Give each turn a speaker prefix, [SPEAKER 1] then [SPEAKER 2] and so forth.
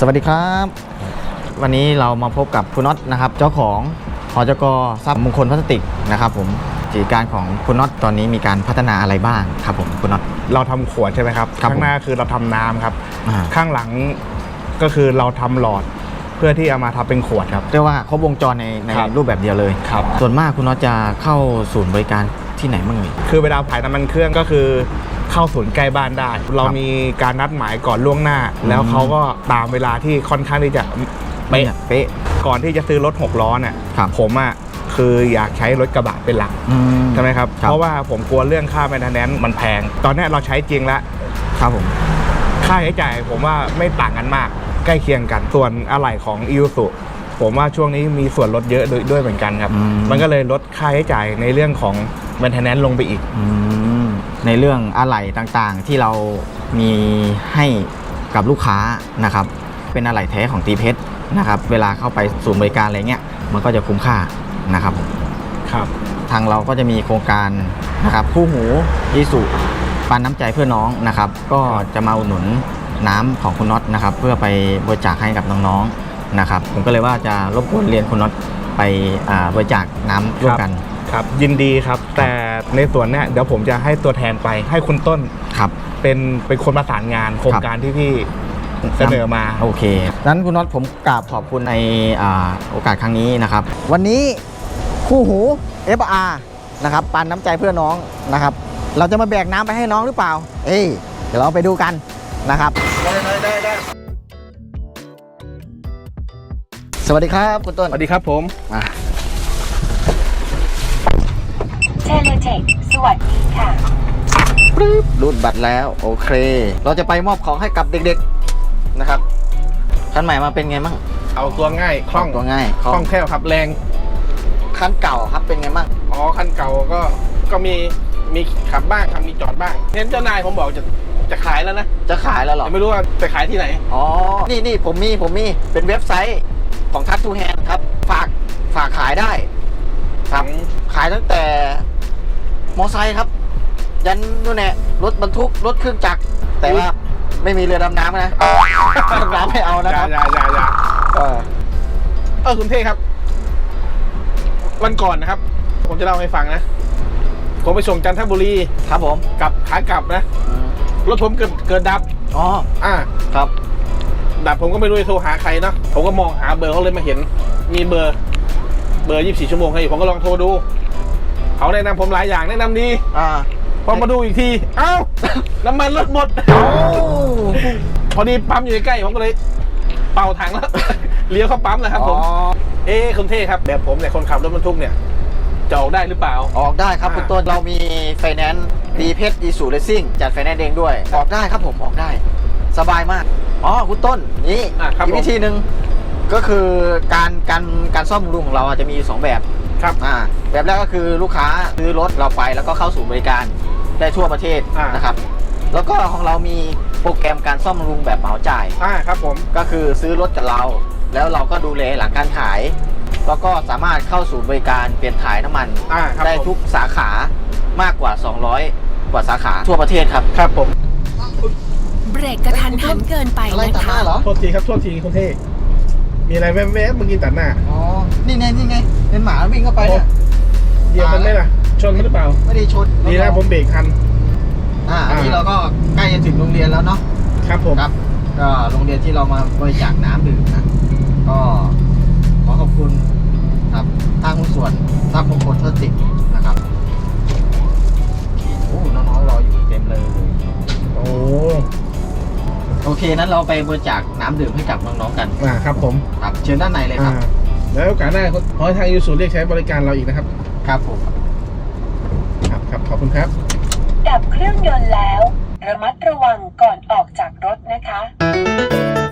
[SPEAKER 1] วัสดีครับวันนี้เรามาพบกับคุณน็อตนะครับเจ้าของหจก.ทรัพย์มงคลพลาสติกนะครับผมกิจการของคุณน็อตตอนนี้มีการพัฒนาอะไรบ้างครับผมคุณน็อต
[SPEAKER 2] เราทำขวดใช่ไหมครับข้างหน้าคือเราทำน้ำครับข้างหลังก็คือเราทำหลอดเพื่อที่เอามาทำเป็นขวดครับ
[SPEAKER 1] เรียกว่าครบวงจรในรูปแบบเดียวเลย
[SPEAKER 2] ครับ
[SPEAKER 1] ส่วนมากคุณน็อตจะเข้าศูนย์บริการที่ไหนบ้าง
[SPEAKER 2] คือเวลาขายน้ำมันเครื่องก็คือเข้าศูนย์ใกล้บ้านได้เรามีการนัดหมายก่อนล่วงหน้าแล้วเขาก็ตามเวลาที่ค่อนข้างที่จะเป๊ะก่อนที่จะซื้อรถ6ล้อเนี่ยผมคืออยากใช้รถกระบะเป็นหลักใช่ไหมครับเพราะว่าผมกลัวเรื่องค่าแมนเทนแนนซ์มันแพงตอนนี้เราใช้จริงแล้ว
[SPEAKER 1] ครับผม
[SPEAKER 2] ค่าใช้จ่ายผมว่าไม่ต่างกันมากใกล้เคียงกันส่วนอะไหล่ของอิวสุผมว่าช่วงนี้มีส่วนลดเยอะด้วยเหมือนกันครับมันก็เลยลดค่าใช้จ่ายในเรื่องของแมนเทนแนนซ์ลงไปอีก
[SPEAKER 1] ในเรื่องอะไหล่ต่างๆที่เรามีให้กับลูกค้านะครับเป็นอะไหล่แท้ของตีเพชรนะครับเวลาเข้าไปศูนย์บริการอะไรเงี้ยมันก็จะคุ้มค่านะครับทางเราก็จะมีโครงการนะครับคู่หูอิสุปันน้ำใจเพื่อน้องนะครับก็จะมาอุดหนุนน้ำของคุณน็อตนะครับเพื่อไปบริจาคให้กับน้องๆนะครับผมก็เลยว่าจะรบกวนเรียนคุณน็อตไปบริจาคน้ำร่วมกัน
[SPEAKER 2] ครับยินดีครับแต่ในส่วนเนี้ยเดี๋ยวผมจะให้ตัวแทนไปให้คุณต้น
[SPEAKER 1] ครับ
[SPEAKER 2] เป็นคนประสานงานโครงการที่พี่เสนอมา
[SPEAKER 1] โอเคนั้นคุณน็อตผมกราบขอบคุณในโอกาสครั้งนี้นะครับวันนี้คู่หู FR นะครับปันน้ำใจเพื่อน้องนะครับเราจะมาแบกน้ำไปให้น้องหรือเปล่าเดี๋ยวเราไปดูกันนะครับได้สวัสดีครับคุณต้น
[SPEAKER 2] สวัสดีครับผม
[SPEAKER 3] เทเลเทคสวัสดีค่ะ
[SPEAKER 1] รูดบัตรแล้วโอเคเราจะไปมอบของให้กับเด็กๆนะครับคันใหม่มาเป็นไงมั่ง
[SPEAKER 2] เอาตัวง่ายคล่อง
[SPEAKER 1] ตัวง่าย
[SPEAKER 2] คล่องแคล่วครับแรง
[SPEAKER 1] คันเก่าครับเป็นไงมั่ง
[SPEAKER 2] อ๋อคันเก่าก็มีขับบ้างครับมีจอดบ้างเน้นเจ้านายผมบอกจะขายแล้วนะ
[SPEAKER 1] จะขายแล้วหรอ
[SPEAKER 2] ไม่รู้ว่าจะขายที่ไหน
[SPEAKER 1] อ๋อนี่ผมมีเป็นเว็บไซต์ของทักทูแฮนด์ครับฝากขายได้ครับขายตั้งแต่มอไซค์ครับยันนู่นแหละรถบรรทุกรถเครื่องจักรแต่ว่าไม่มีเรือดำน้ำนะดำน้ำไม่เอานะครับ
[SPEAKER 2] อย่าคุณเท่ครับวันก่อนนะครับผมจะเล่าให้ฟังนะผมไปส่งจันทบุรี
[SPEAKER 1] ครับผม
[SPEAKER 2] กับขากลับนะรถผมเกิดดับ
[SPEAKER 1] ครับ
[SPEAKER 2] ดับผมก็ไม่รู้จะโทรหาใครเนาะผมก็มองหาเบอร์เขาเลยมาเห็นมีเบอร์24 ชั่วโมงให้ผมก็ลองโทรดูเขาแนะนำผมหลายอย่างแนะนำดีพอมาดูอีกทีเอ้าน้ำมันรถหมดพอดีปั๊มอยู่ใกล้ผมก็เลยเป่าถังแล้วเลี้ยวเข้าปั๊มนะครับผมคุณเท่ครับแบบผมเนี่ยคนขับรถบรรทุกเนี่ยจะออกได้หรือเปล่า
[SPEAKER 1] ออกได้ครับคุณต้นเรามีไฟแนนซ์ดีเพชรดีสูเลสซิ่งจัดไฟแนนซ์เองด้วยออกได้ครับผมออกได้สบายมากคุณต้นนี่อีกวิธีหนึ่งก็คือการซ่อมบำรุงของเราจะมี2แบบ
[SPEAKER 2] ครับ
[SPEAKER 1] แบบแรกก็คือลูกค้าซื้อรถเราไปแล้วก็เข้าสู่บริการได้ทั่วประเทศนะครับแล้วก็ของเรามีโปรแกรมการซ่อมบำรุงแบบเหมาจ่าย
[SPEAKER 2] ครับผม
[SPEAKER 1] ก็คือซื้อรถกับเราแล้วเราก็ดูแลหลังการขายแล้วก็สามารถเข้าสู่บริการเปลี่ยนถ่ายน้ำมันได้ทุกสาขามากกว่า200กว่าสาขาทั่วประเทศครับ
[SPEAKER 2] ครับผม
[SPEAKER 3] เบรกกระทันหันเกินไปนะคะ
[SPEAKER 2] โทษทีครับโทษทีคุณเท่มีอะไรแว๊บเมื่อกี้ตัดหน้า
[SPEAKER 1] นี่ไงเป็นหมาวิ่งเข้าไปเนี่ย
[SPEAKER 2] เดี๋ยวมันไม่ล่ะชนมันหรือเปล่า
[SPEAKER 1] ไม่ได้ชน
[SPEAKER 2] ดีนะผมเบรกทัน
[SPEAKER 1] อันนี้เราก็ใกล้จะถึงโรงเรียนแล้วเนาะ
[SPEAKER 2] ครับผม
[SPEAKER 1] ครับก็โรงเรียนที่เรามาบริจาคน้ำดื่มนะก็ขอขอบคุณครับทางหุ้นส่วนทรัพย์มงคลพลาสติกนะครับน้องๆรออยู่เต็มเลยโอเคนั้นเราไปบริจาคน้ำดื่มให้กับน้องๆกัน
[SPEAKER 2] ครับผม
[SPEAKER 1] ครับเชิญด้านในเลยครับ
[SPEAKER 2] แล้วโอกาสหน้าขอให้ทางยูสูเรียกใช้บริการเราอีกนะครับ
[SPEAKER 1] ครับผม
[SPEAKER 2] ครับขอบคุณครับ
[SPEAKER 3] ดับเครื่องยนต์แล้วระมัดระวังก่อนออกจากรถนะคะ